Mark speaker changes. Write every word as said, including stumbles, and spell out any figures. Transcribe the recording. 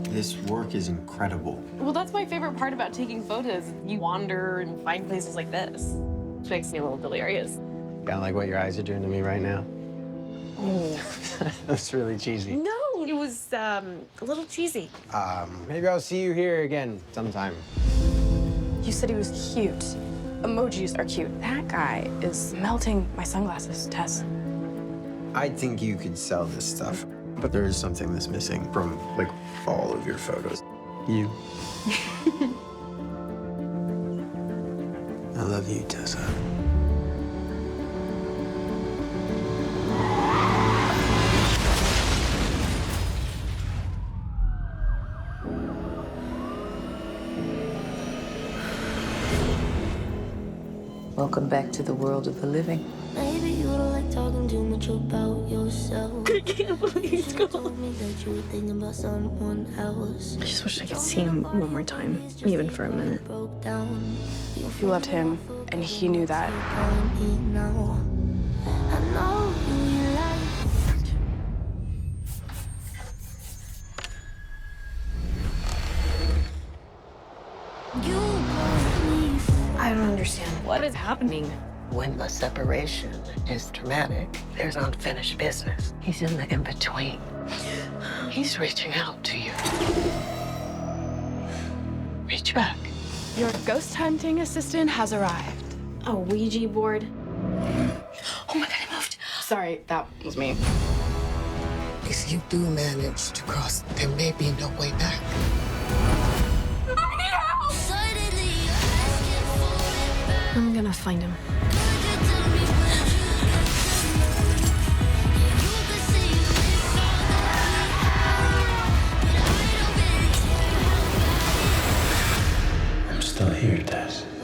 Speaker 1: This work is incredible.
Speaker 2: Well, that's my favorite part about taking photos. You wander and find places like this. Which makes me a little delirious.
Speaker 3: Kind of like what your eyes are doing to me right now.
Speaker 2: Oh.
Speaker 3: That's really cheesy.
Speaker 2: No, it was um, a little cheesy.
Speaker 3: Um, maybe I'll see you here again sometime.
Speaker 4: You said he was cute. Emojis are cute. That guy is melting my sunglasses, Tess.
Speaker 1: I think you could sell this stuff, but there is something that's missing from, like, all of your photos. You. I love you, Tessa.
Speaker 5: Welcome back to the world of the living.
Speaker 6: Maybe you don't like talking too much about yourself.
Speaker 2: I can't believe he's
Speaker 6: You
Speaker 2: gone.
Speaker 6: told me that you were thinking about someone else.
Speaker 4: I just wish I could see him one more time, even for a minute.
Speaker 6: Broke down.
Speaker 4: You loved him, and he knew that.
Speaker 6: Calling me now. I know you like. You called me.
Speaker 4: I don't understand.
Speaker 2: What is happening?
Speaker 5: When a separation is traumatic, there's unfinished business. He's in the in-between. He's reaching out to you. Reach back.
Speaker 4: Your ghost hunting assistant has arrived.
Speaker 2: A Ouija board.
Speaker 4: Oh my God, I moved. Sorry, that was me.
Speaker 5: If you do manage to cross, there may be no way back.
Speaker 6: Suddenly you're asking for it back.
Speaker 4: I'm gonna find him.
Speaker 6: Could you tell me what you could You could see if all that we had, but I don't really care.
Speaker 1: I'm still here, Tess.